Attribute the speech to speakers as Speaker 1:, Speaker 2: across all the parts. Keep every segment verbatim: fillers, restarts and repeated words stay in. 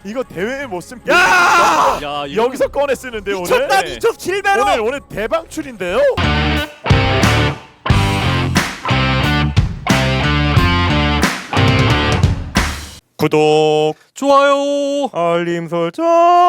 Speaker 1: 이거 대회에 못 쓴.
Speaker 2: 야! 야, 이거
Speaker 1: 여기서 꺼내 쓰는데 오늘.
Speaker 2: 미쳤다,
Speaker 1: 미쳤 칠 배로. 오늘 오늘 대방출인데요. 구독,
Speaker 2: 좋아요.
Speaker 3: 알림 설정.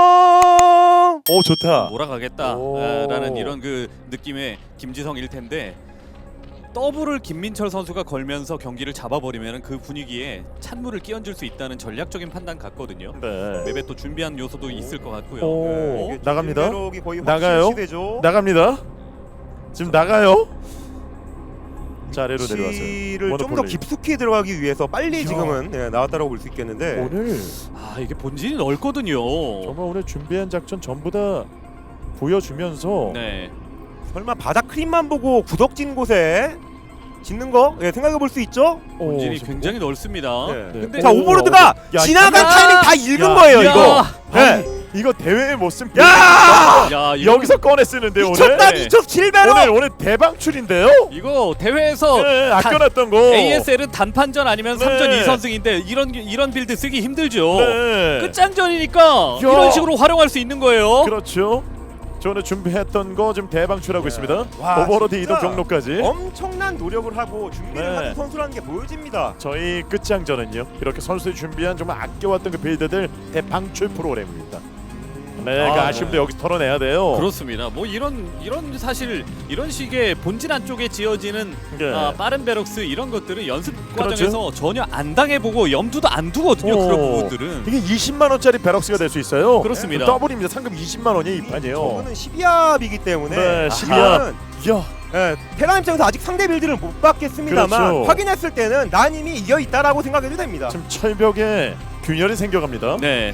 Speaker 1: 오 좋다.
Speaker 2: 몰아가겠다라는 이런 그 느낌의 김지성일 텐데 더블을 김민철 선수가 걸면서 경기를 잡아버리면 그 분위기에 찬물을 끼얹을 수 있다는 전략적인 판단 같거든요.
Speaker 1: 네.
Speaker 2: 맵에 또 준비한 요소도 있을 것 같고요.
Speaker 1: 오,
Speaker 2: 네.
Speaker 1: 나갑니다.
Speaker 3: 거의
Speaker 1: 나가요?
Speaker 3: 시대죠.
Speaker 1: 나갑니다. 지금 나가요. 자, 아래로 내려와서요.
Speaker 3: 위치를 좀 더
Speaker 1: 모노폴리.
Speaker 3: 깊숙이 들어가기 위해서 빨리
Speaker 1: 야.
Speaker 3: 지금은 예, 나왔다고 볼 수 있겠는데
Speaker 1: 오늘
Speaker 2: 아 이게 본진이 넓거든요.
Speaker 1: 정말 오늘 준비한 작전 전부 다 보여주면서
Speaker 2: 네.
Speaker 3: 설마 바닥 크림만 보고 구덕진 곳에 짓는 거 예, 생각해 볼 수 있죠?
Speaker 1: 오,
Speaker 2: 본진이
Speaker 1: 지금
Speaker 2: 굉장히 넓습니다.
Speaker 3: 네.
Speaker 1: 네.
Speaker 2: 근데
Speaker 3: 자,
Speaker 1: 오,
Speaker 3: 오버로드가
Speaker 1: 야,
Speaker 3: 지나간
Speaker 2: 야.
Speaker 3: 타이밍 다 읽은
Speaker 1: 야.
Speaker 3: 거예요,
Speaker 2: 야.
Speaker 3: 이거.
Speaker 1: 아니,
Speaker 3: 네.
Speaker 1: 이거 대회에 못 쓴.
Speaker 3: 야!
Speaker 2: 야, 이거,
Speaker 1: 여기서 꺼내 쓰는데 오늘.
Speaker 3: 미쳤다,
Speaker 2: 네.
Speaker 3: 미쳤 칠 배로.
Speaker 1: 오늘 오늘 대방출인데요.
Speaker 2: 이거 대회에서
Speaker 1: 네,
Speaker 2: 단-
Speaker 1: 아껴놨던 거.
Speaker 2: 에이에스엘은 단판전 아니면
Speaker 1: 네.
Speaker 2: 삼 전 이 선승인데 이런 이런 빌드 쓰기 힘들죠.
Speaker 1: 네.
Speaker 2: 끝장전이니까 이런 식으로 활용할 수 있는 거예요.
Speaker 1: 그렇죠. 저는 준비했던 거 지금 대방출하고
Speaker 3: 네.
Speaker 1: 있습니다.
Speaker 3: 와,
Speaker 1: 오버로드
Speaker 3: 진짜
Speaker 1: 이동 경로까지.
Speaker 3: 엄청난 노력을 하고 준비를
Speaker 1: 네.
Speaker 3: 하는 선수라는 게 보여집니다.
Speaker 1: 저희 끝장전은요. 이렇게 선수들이 준비한 정말 아껴왔던 그 빌드들 대방출 프로그램입니다. 네, 그
Speaker 2: 아,
Speaker 1: 아쉬움도
Speaker 2: 네.
Speaker 1: 여기서 털어내야 돼요.
Speaker 2: 그렇습니다. 뭐 이런 이런 사실 이런 식의 본진 안쪽에 지어지는
Speaker 1: 네.
Speaker 2: 아, 빠른 베럭스 이런 것들은 연습
Speaker 1: 그렇죠.
Speaker 2: 과정에서 전혀 안 당해보고 염두도 안 두거든요.
Speaker 1: 어.
Speaker 2: 그런 부분들은.
Speaker 1: 이게 이십만 원짜리 베럭스가 될 수 있어요.
Speaker 2: 그렇습니다.
Speaker 1: 더블입니다. 상금 이십만 원이 이 판이에요.
Speaker 3: 저거는 십이 합이기 때문에
Speaker 1: 네,
Speaker 2: 십이
Speaker 1: 합.
Speaker 3: 저는,
Speaker 1: 야,
Speaker 3: 예, 테란 입장에서 아직 상대 빌드를 못 받겠습니다만
Speaker 1: 그렇죠.
Speaker 3: 확인했을 때는 난 이미 이겨 있다라고 생각해도 됩니다.
Speaker 1: 지금 철벽에 균열이 생겨갑니다.
Speaker 2: 네.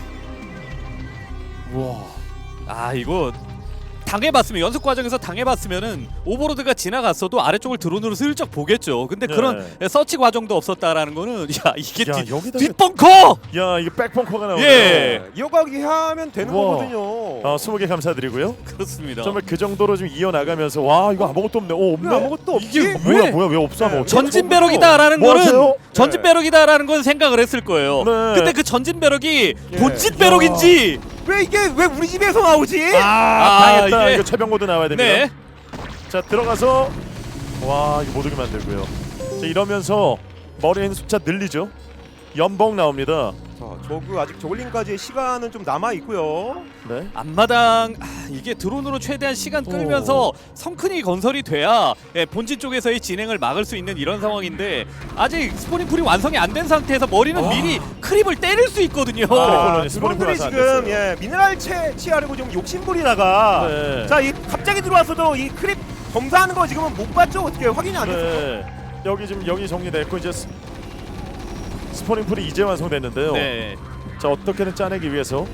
Speaker 1: 와.
Speaker 2: 아 이거 당해봤으면 연습 과정에서 당해봤으면은 오버로드가 지나갔어도 아래쪽을 드론으로 슬쩍 보겠죠. 근데
Speaker 1: 네.
Speaker 2: 그런 서치 과정도 없었다라는 거는 야 이게
Speaker 1: 야,
Speaker 2: 뒷,
Speaker 1: 여기다가-
Speaker 2: 뒷벙커!
Speaker 1: 야, 이게 백펑커가 나오네요.
Speaker 2: 예.
Speaker 3: 네, 이어가기 하면 되는
Speaker 1: 우와.
Speaker 3: 거거든요.
Speaker 1: 어, 스무 개 감사드리고요.
Speaker 2: 그렇습니다.
Speaker 1: 정말 그 정도로 좀 이어나가면서 와, 이거 아무것도 없네. 오, 없네.
Speaker 3: 왜 아무것도 없지?
Speaker 2: 이게
Speaker 1: 뭐야,
Speaker 2: 왜?
Speaker 1: 뭐야, 왜 없어?
Speaker 3: 네.
Speaker 1: 뭐.
Speaker 2: 전진 배럭이다라는
Speaker 1: 뭐
Speaker 2: 거는
Speaker 1: 하세요?
Speaker 2: 전진
Speaker 3: 네.
Speaker 2: 배럭이다라는 건 생각을 했을 거예요.
Speaker 1: 네.
Speaker 2: 근데 그 전진 배럭이
Speaker 3: 예.
Speaker 2: 본진
Speaker 1: 야.
Speaker 2: 배럭인지
Speaker 3: 왜 이게 왜 우리 집에서 나오지?
Speaker 1: 아,
Speaker 2: 아,
Speaker 1: 당했다.
Speaker 2: 이게-
Speaker 1: 이거 최병 모드 나와야 됩니다.
Speaker 2: 네.
Speaker 1: 자, 들어가서 와, 이거 못 오게 만들고요. 자, 이러면서 머리에 있는 숫자 늘리죠. 연봉 나옵니다.
Speaker 3: 자, 저그 아직 저글링까지의 시간은 좀 남아 있고요.
Speaker 1: 네.
Speaker 2: 앞마당 아, 이게 드론으로 최대한 시간 끌면서 성큰이 건설이 돼야 예, 본진 쪽에서의 진행을 막을 수 있는 이런 상황인데 아직 스포닝풀이 완성이 안 된 상태에서 머리는
Speaker 1: 아.
Speaker 2: 미리 크립을 때릴 수 있거든요.
Speaker 1: 아,
Speaker 3: 아,
Speaker 1: 콜로니 스포닝
Speaker 3: 드론들이
Speaker 1: 플러스 안
Speaker 3: 지금
Speaker 1: 됐어요.
Speaker 3: 예, 미네랄 채 취하려고 좀 욕심부리다가
Speaker 1: 네.
Speaker 3: 자, 이 갑자기 들어와서도 이 크립 검사하는 거 지금은 못 봤죠? 어떻게 확인이 안 됐어요?
Speaker 1: 네. 여기 지금 여기 정리됐고 이제 스, 스포닝 풀이 이제 완성됐는데요.
Speaker 2: 네.
Speaker 1: 자, 어떻게든 짜내기 위해서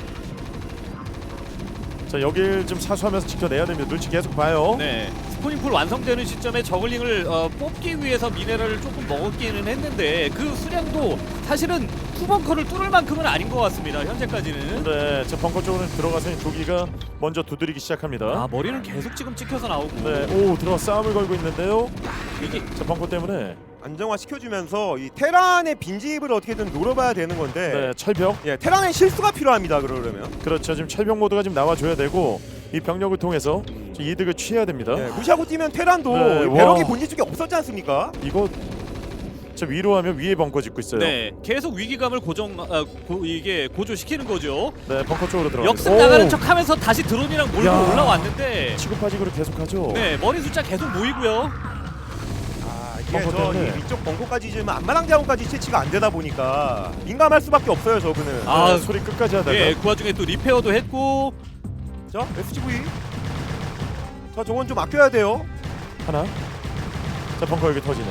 Speaker 1: 자, 여길 좀 사수하면서 지켜내야 됩니다. 눈치 계속 봐요.
Speaker 2: 네. 스포닝풀 완성되는 시점에 저글링을 어, 뽑기 위해서 미네랄을 조금 먹었기는 했는데 그 수량도 사실은 투벙커를 뚫을 만큼은 아닌 것 같습니다. 현재까지는.
Speaker 1: 네, 자, 벙커 쪽으로 들어가서 도기가 먼저 두드리기 시작합니다.
Speaker 2: 아 머리는 계속 지금 찍혀서 나오고.
Speaker 1: 네, 오, 들어가 싸움을 걸고 있는데요.
Speaker 2: 이게
Speaker 1: 자, 벙커 때문에
Speaker 3: 안정화 시켜주면서 이 테란의 빈집을 어떻게든 노려봐야 되는 건데
Speaker 1: 네, 철벽.
Speaker 3: 예, 테란의 실수가 필요합니다. 그러려면
Speaker 1: 그렇죠. 지금 철벽 모드가 지금 나와줘야 되고 이 병력을 통해서 좀 이득을 취해야 됩니다.
Speaker 3: 예, 무시하고 뛰면 테란도
Speaker 1: 네,
Speaker 3: 이 배럭이
Speaker 1: 와.
Speaker 3: 본진 쪽에 없었지 않습니까?
Speaker 1: 이거 저 위로 하면 위에 벙커 짓고 있어요.
Speaker 2: 네, 계속 위기감을 고정 아, 고, 이게 고조시키는 거죠.
Speaker 1: 네, 벙커 쪽으로 들어가.
Speaker 2: 역습 나가는 척하면서 다시 드론이랑 몰고
Speaker 1: 야.
Speaker 2: 올라왔는데,
Speaker 1: 치고파지고를 계속하죠.
Speaker 2: 네 머리 숫자 계속 모이고요.
Speaker 3: 아, 이게
Speaker 1: 벙커
Speaker 3: 저
Speaker 1: 때문에.
Speaker 3: 이 위쪽 벙커까지 지금 안마당 자원까지 채취가 안 되다 보니까 민감할 수밖에 없어요. 저분은.
Speaker 2: 아,
Speaker 1: 네, 소리 끝까지 하다가
Speaker 2: 예, 그 와중에 또 리페어도 했고.
Speaker 3: 자, 에스지브이. 자, 저건 좀 아껴야 돼요.
Speaker 1: 하나. 자, 벙커 여기 터지네.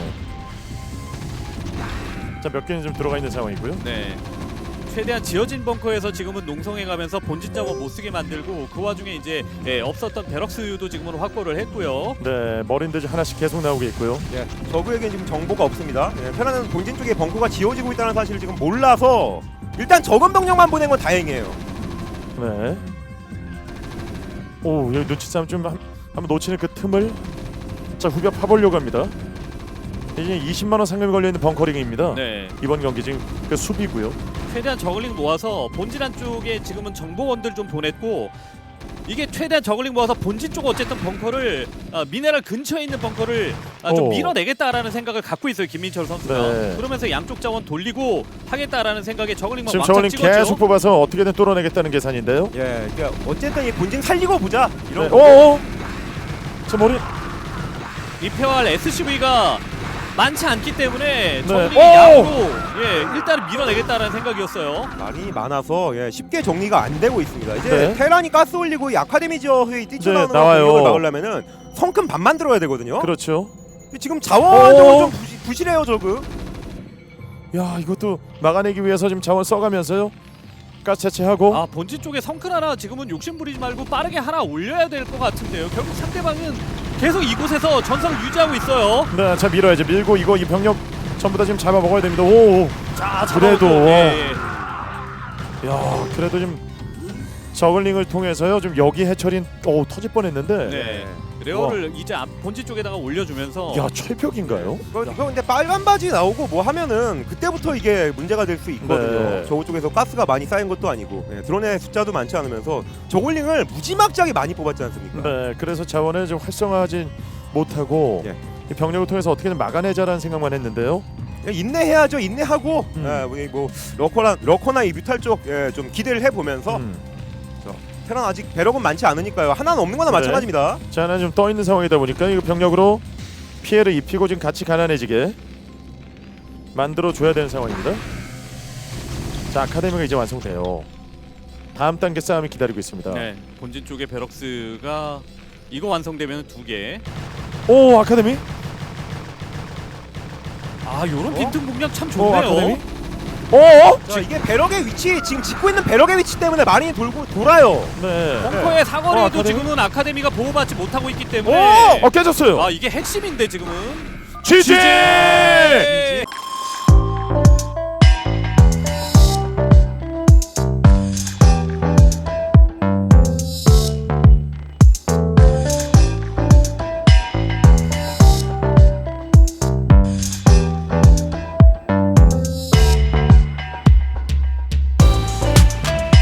Speaker 1: 자, 몇 개는 좀 들어가 있는 상황이고요.
Speaker 2: 네. 최대한 지어진 벙커에서 지금은 농성해가면서 본진 자원 못 쓰게 만들고 그 와중에 이제 예, 없었던 베럭스도 지금은 확보를 했고요.
Speaker 1: 네, 머린들 하나씩 계속 나오고 있고요.
Speaker 3: 예, 저그에겐 지금 정보가 없습니다. 예, 테란은 본진 쪽에 벙커가 지어지고 있다는 사실을 지금 몰라서 일단 적은 병력만 보낸 건 다행이에요.
Speaker 1: 네. 오, 여기 눈치 싸움 좀 한, 한번 놓치는 그 틈을 자, 후벼 파보려고 합니다. 이제 이십만 원 상금이 걸려 있는 벙커링입니다.
Speaker 2: 네.
Speaker 1: 이번 경기 지금 그 수비고요.
Speaker 2: 최대한 저글링 모아서 본진 안쪽에 지금은 정보원들 좀 보냈고 이게 최대한 저글링 모아서 본진 쪽 어쨌든 벙커를 아, 미네랄 근처에 있는 벙커를 아, 좀
Speaker 1: 오.
Speaker 2: 밀어내겠다라는 생각을 갖고 있어요 김민철 선수가.
Speaker 1: 네.
Speaker 2: 그러면서 양쪽 자원 돌리고 하겠다라는 생각에 저글링만
Speaker 1: 지금
Speaker 2: 왕창
Speaker 1: 저울링
Speaker 2: 찍었죠.
Speaker 1: 계속 뽑아서 어떻게든 뚫어내겠다는 계산인데요.
Speaker 3: 예, 그러니까 어쨌든 이 본진 살리고 보자 이런
Speaker 1: 네.
Speaker 3: 거.
Speaker 1: 오, 저 머리.
Speaker 2: 리페어할 에스씨브이가 많지 않기 때문에 저글링이
Speaker 1: 오!
Speaker 2: 양으로 예 일단은 밀어내겠다라는 생각이었어요.
Speaker 3: 말이 많아서 예, 쉽게 정리가 안 되고 있습니다. 이제
Speaker 1: 네.
Speaker 3: 테란이 가스 올리고 이 아카데미 지역에 뛰쳐나오는
Speaker 1: 네, 나와요.
Speaker 3: 공격을 막으려면은 성큼 반만 들어야 되거든요.
Speaker 1: 그렇죠.
Speaker 3: 근데 지금 자원적으로
Speaker 1: 오!
Speaker 3: 좀 부시, 부실해요 저그.
Speaker 1: 야, 이것도 막아내기 위해서 지금 자원 써가면서요. 가스 채취하고.
Speaker 2: 아 본진 쪽에 성큰 하나 지금은 욕심 부리지 말고 빠르게 하나 올려야 될 것 같은데요. 결국 상대방은 계속 이곳에서 전성을 유지하고 있어요.
Speaker 1: 네, 자 밀어야지. 밀고 이거 이 병력 전부 다 지금 잡아 먹어야 됩니다. 오,
Speaker 2: 자
Speaker 1: 그래도.
Speaker 2: 잡아먹고, 예, 예.
Speaker 1: 야, 그래도 좀 저글링을 통해서요. 좀 여기 해처린 오 터질 뻔했는데.
Speaker 2: 네. 레어를 이제 앞 본진 쪽에다가 올려주면서
Speaker 1: 야, 철벽인가요?
Speaker 3: 이거, 이거 근데 빨간 바지 나오고 뭐 하면은 그때부터 이게 문제가 될 수 있거든요.
Speaker 1: 네.
Speaker 3: 저거 쪽에서 가스가 많이 쌓인 것도 아니고 예, 드론의 숫자도 많지 않으면서 저글링을 무지막지하게 많이 뽑았지 않습니까?
Speaker 1: 네, 그래서 자원을 좀 활성화하지 못하고
Speaker 3: 예.
Speaker 1: 이 병력을 통해서 어떻게든 막아내자라는 생각만 했는데요.
Speaker 3: 그냥 인내해야죠. 인내하고
Speaker 1: 음.
Speaker 3: 예, 우리 뭐 러커나 러커나 이 뮤탈 쪽 좀 예, 기대를 해보면서
Speaker 1: 음.
Speaker 3: 테란 아직 배럭은 많지 않으니까요. 하나는 없는 거나
Speaker 1: 네.
Speaker 3: 마찬가지입니다.
Speaker 1: 자, 하나 좀 떠 있는 상황이다 보니까 이거 병력으로 피해를 입히고 지금 같이 가난해지게 만들어 줘야 되는 상황입니다. 자, 아카데미가 이제 완성돼요. 다음 단계 싸움이 기다리고 있습니다.
Speaker 2: 네, 본진 쪽에 베럭스가 이거 완성되면 두 개.
Speaker 1: 오, 아카데미?
Speaker 2: 아 요런
Speaker 3: 어?
Speaker 2: 빈틈 공략 참
Speaker 1: 오,
Speaker 2: 좋네요.
Speaker 1: 아카데미? 오!
Speaker 3: 자, 이게 배럭의 위치 지금 짓고 있는 배럭의 위치 때문에 많이 돌고 돌아요.
Speaker 1: 네.
Speaker 2: 벙커의
Speaker 1: 어,
Speaker 2: 사거리도
Speaker 1: 아카데미?
Speaker 2: 지금은 아카데미가 보호받지 못하고 있기 때문에
Speaker 1: 어, 깨졌어요.
Speaker 2: 아 이게 핵심인데 지금은
Speaker 1: 지지!
Speaker 2: 지지!